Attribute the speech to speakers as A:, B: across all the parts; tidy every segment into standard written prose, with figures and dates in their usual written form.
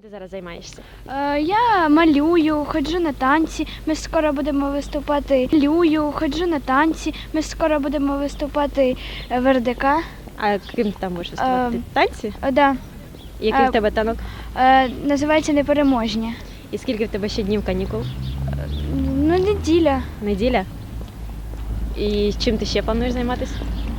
A: Ти зараз займаєшся?
B: Я малюю, ходжу на танці. Ми скоро будемо виступати. Ходжу на танці. Ми скоро будемо виступати в РДК.
A: А ким ти там будеш виступати? Танці?
B: Да.
A: Який в тебе танок?
B: Називається Непереможні.
A: І скільки в тебе ще днів канікул?
B: Ну, неділя.
A: Неділя? І чим ти ще плануєш займатися?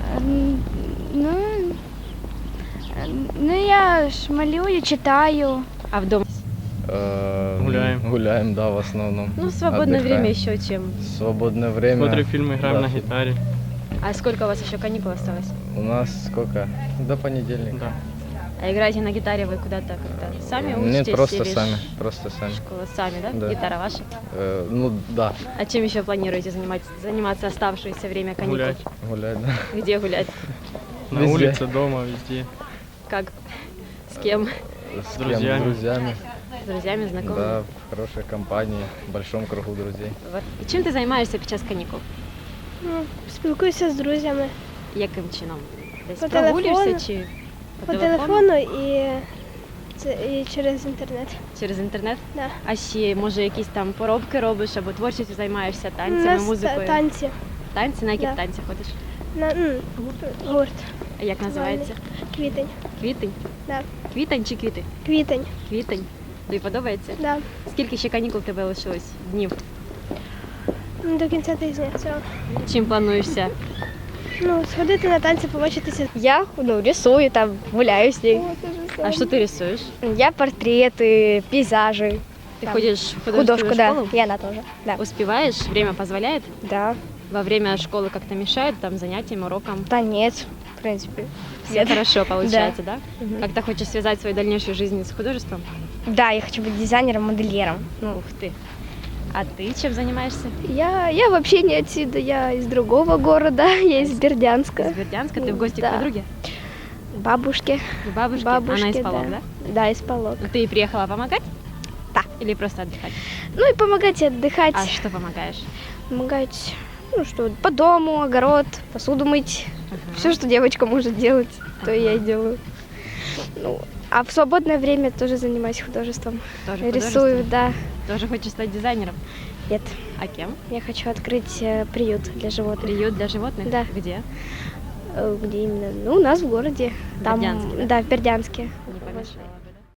B: Ну я ж малюю, читаю.
A: А вдома?
C: Гуляем, да, в основном.
A: Ну, в свободное
C: Отдыхаем.
A: время еще чем?
C: Свободное время.
D: Смотрю фильмы, играем
C: Да.
D: на гитаре.
A: А сколько у вас еще каникул осталось?
C: У нас сколько? До понедельника.
D: Да.
A: А играете на гитаре вы куда-то как-то сами учитесь?
C: Нет, просто
A: или
C: сами. Просто сами.
A: Школа сами, да?
C: Да.
A: Гитара ваша?
C: Ну да,
A: А чем еще планируете заниматься оставшееся время каникул?
D: Гулять.
C: гулять, да.
A: Где гулять?
D: На
C: Везде.
D: улице, дома, везде.
A: Как? С кем?
C: С
D: друзьями.
C: Кем? С друзьями.
A: С друзьями, знакомыми?
C: Да, в хорошей компании, в большом кругу друзей.
A: Вот. І чим ти займаєшся під час канікул?
E: Спілкуюся з друзями
A: Яким чином? Десь
E: По
A: прогулюєшся
E: телефону.
A: чи
E: по телефону і через інтернет.
A: Через інтернет?
E: Да.
A: А ще, може, якісь там поробки робиш або творчістю займаєшся,
E: У
A: танцями,
E: нас
A: музикою?
E: танці.
A: Танці? На які
E: Да.
A: танці ходиш?
E: Гурт.
A: А як називається?
E: Квітень.
A: Квітень?
E: Да.
A: Квітень чи квіти?
E: Квітень.
A: Квітень. Тобі подобається?
E: Да.
A: Скільки ще канікул в тебе лишилось днів?
E: До кінця тижня цього.
A: Чим плануєшся?
E: Сходити на танці, побачитися.
F: Я рисую, там гуляю с ней.
A: А що ти рисуєш?
F: Я портреты, пейзажи.
A: Ти
F: Там.
A: ходиш в
F: Художку,
A: художественную
F: да.
A: школу?
F: И она тоже. Да.
A: Успеваешь? Время позволяет?
F: Да.
A: Во время школы как-то мешает там занятиям, урокам?
F: Танец, в принципе.
A: Все хорошо получается, да?
F: Мгм.
A: Как-то хочешь связать свою дальнейшую жизнь с художеством?
F: Да, я хочу быть дизайнером, модельером.
A: Ух ты. А ты чем занимаешься?
B: Я вообще не отсюда, я из другого города, я из Бердянска.
A: Из Бердянска? Ты в гости к
B: Да.
A: подруге?
B: Бабушки.
A: К бабушке?
B: Бабушки,
A: Она из Полог, да?
B: Да, из Полог.
A: Ну, ты приехала помогать?
B: Да.
A: Или просто отдыхать?
B: Ну и помогать и отдыхать.
A: А что помогаешь?
B: Помогать, что по дому, огород, посуду мыть. Все, что девочка может делать, то я и делаю. А в свободное время тоже занимаюсь художеством.
A: Тоже
B: Рисую,
A: художеством?
B: да.
A: Тоже хочешь стать дизайнером?
B: Нет,
A: А кем?
B: я хочу открыть приют для животных.
A: Приют для животных?
B: Да.
A: Где?
B: Где именно? У нас в городе.
A: В Бердянске, да?
B: Да, в Бердянске.
A: Не помешало.